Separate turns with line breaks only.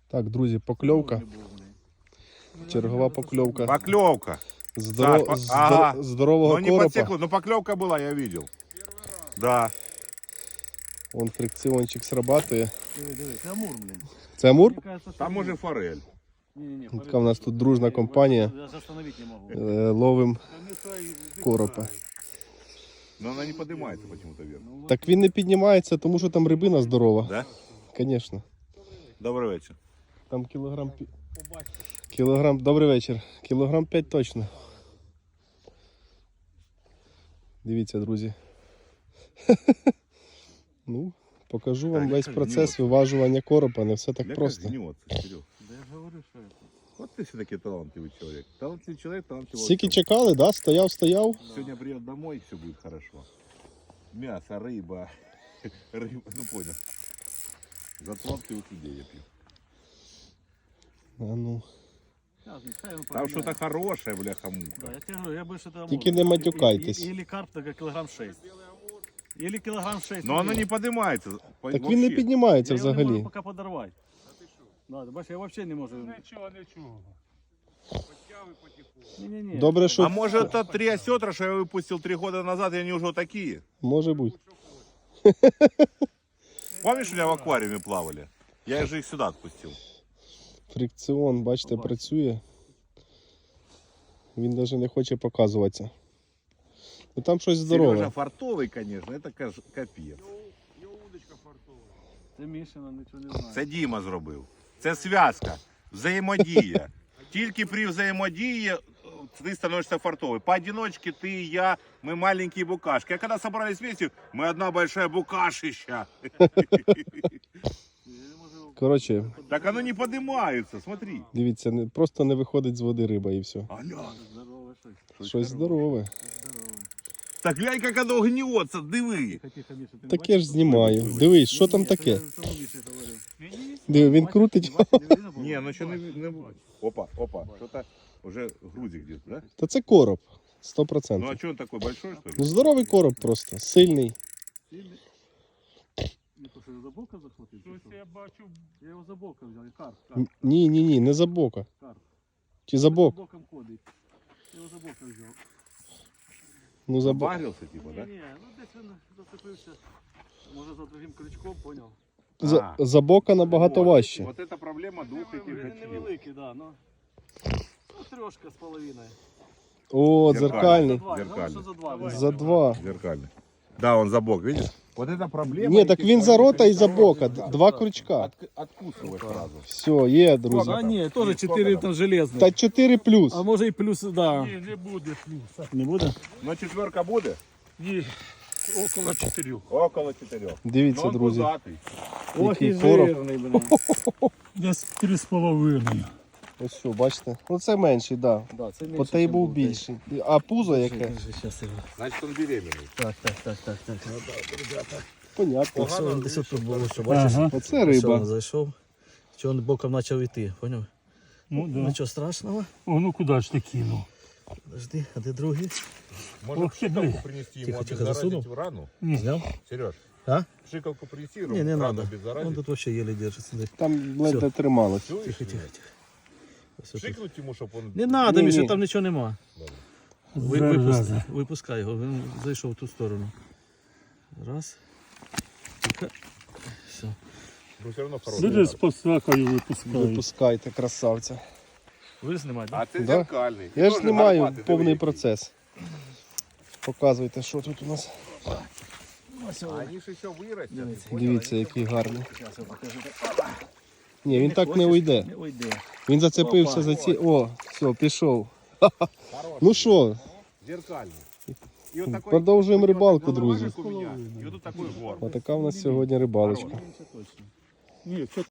Так, друзі, покльовка. Чергова покльовка.
Поклевка.
Здорового
Ну не
коропа.
подсекло, но поклевка была, я видел. Да.
Вон фрикціончик срабатує.
Диви, це амур, блін.
Це амур?
Мені кажется, що
Там
ні.
уже форель.
Ні,
Така в нас тут дружна компанія.
Я остановить не можу.
Ловим коропа.
Но она не поднимается почему-то вверх.
Так він не піднімається, тому що там рибина здорова.
Да?
Звісно.
Добрий вечір.
Там кілограм. Добрий вечір. Кілограм 5 точно. Дивіться, друзі. Ну, покажу вам весь процес виважування коропа. Не все так просто.
Гнется, Серег.
Да я ж говорю, що це.
Вот ты все-таки талантливый человек. Талантливый человек, талантливый.
Скільки чекали, да? Стояв.
Сегодня придет домой, и все будет хорошо. Мясо, рыба. Рыба, ну понял. За талантливых людей я пью.
А ну.
Щас, нехай він
Там
поміняє.
что-то хорошее, бляха-муха.
Да, я тебе говорю, я більше того
Тільки не матюкайтесь.
Или карп, так кілограм 6. Или кілограм 6.
Но оно не поднимается.
Так він не піднімається
Я його не можу
взагалі.
поки подорвати. Да, ти бачиш, я взагалі не можу.
Нічого. Потяви потихоньку.
Ні-ні-ні.
Добре,
А
що
может это 3 осетра, что я выпустил 3 года назад, и они уже вот такие?
може бути.
Помнишь, у меня в аквариуме плавали? Я же их сюда отпустил.
Фрикціон, бачите, працює. Він навіть не хоче показуватися. Ну там щось
Сережа
здорове.
фартовый, конечно, это капец.
Його удочка фартова.
Це Мішина, нічого не знаю.
Це Діма зробив. Це зв'язка, взаємодія. Тільки при взаємодії ти становишься фартовий. Поодиночке ты и я, мы маленькие букашки. А когда собрались вместе, мы одна большая букашища.
Я не можу.
Коротше,
Так оно не поднимается, смотри.
дивіться, просто не виходить з води риба і все.
Аля.
Здорово, щось.
Щось здорове.
Здорово.
Так глянь, як оно гнется, диви.
Тихо, Міша, ти не
Таке
бачиш?
ж знімаю. Дивись, що там
Ні,
таке?
це я Міші говорю.
Диви, він крутить.
Не, ну что не... Опа, что-то уже грузик где-то, да?
Та це короб.
Ну
100%.
а что он такой большой, что ли?
Ну здоровий короб просто, сильний.
Не то, що я за бока захватив? чи
Щось
що?
я бачу.
Я його за бока взяв, і карп.
Ні, не за бока.
Карп.
Чи за бок?
За боком ходить. Я його за бока взяв.
Ну за бок.
Забарился типа, да?
Ні, ну десь він зацепився. Може за другим крючком, поняв?
За бока набагато
Вот.
важче.
Вот это проблема двух этих
Він
гачків.
невеликий, да, ну. Ну, трошка з половиною.
О,
Зеркальний.
дзеркальний.
Два,
Зеркальний.
що за два.
За два.
Зеркальный. Да, он за бок, видишь? Вот это проблема.
Ні, так він за рота і за бока. Два крючка.
Откусывай сразу.
Все, є, друзі.
А ні, теж 4 там железних.
Та 4 плюс.
А може і плюс, да.
Ні, не буде плюса.
Не буде?
Но четверка будет?
Ні, около 4.
Около 4.
Дивіться, друзі.
Ох, і
Який короб.
жирний, блин.
Десь 3,5.
Ось що, бачите? Ну це менший, так. Да.
Да, це
По той був більший. А пузо яке?
Значит, он беременный.
Так.
Понятно.
Все, він десь тут було, що бачиш?
Ага.
Оце
Все, він
риба.
зайшов. Що він боком почав йти, поняв?
Ну да.
Нічого страшного.
О, ну куди ж ти кинув?
Подожди, а де другий?
Может,
Ох ты,
пшикалку
блин.
принести
Тихо,
ему,
тихо,
обеззаразить
засунул.
рану?
Зняв?
Сереж,
А?
пшикалку принеси,
Ні, не
рану
треба.
обеззаразить.
Он тут взагалі еле держиться.
Там ледве трималось.
Чуешь?
Тихо. Ось тут.
Пшикнуть ему, чтобы он...
Не треба,
Ні,
Міша,
ні.
там нічого нема.
Зараза.
Випускай його, він зайшов в ту сторону. Раз. Тихо. Все.
Ну, все равно хороший.
Люди з посакою випускають.
Випускайте, красавця.
Ви знімаєте?
А це
Да.
зеркальний.
Я ж
Тоже
знімаю
гарбатий,
повний
диви,
процес. Показуйте, що тут у нас.
який. А они ж еще вырастят.
Дивіться, який гарний.
Зараз я покажу.
Ні, він так не
хочеш?
уйде.
Не уйде.
Він зацепився за ці. О, все, пішов. Ну що,
Зеркальный. И вот такой...
продовжуємо рибалку,
головажик
друзі.
у меня. И вот тут такой горб.
Отака в нас сьогодні рибалочка.
Це точно.
Ні, це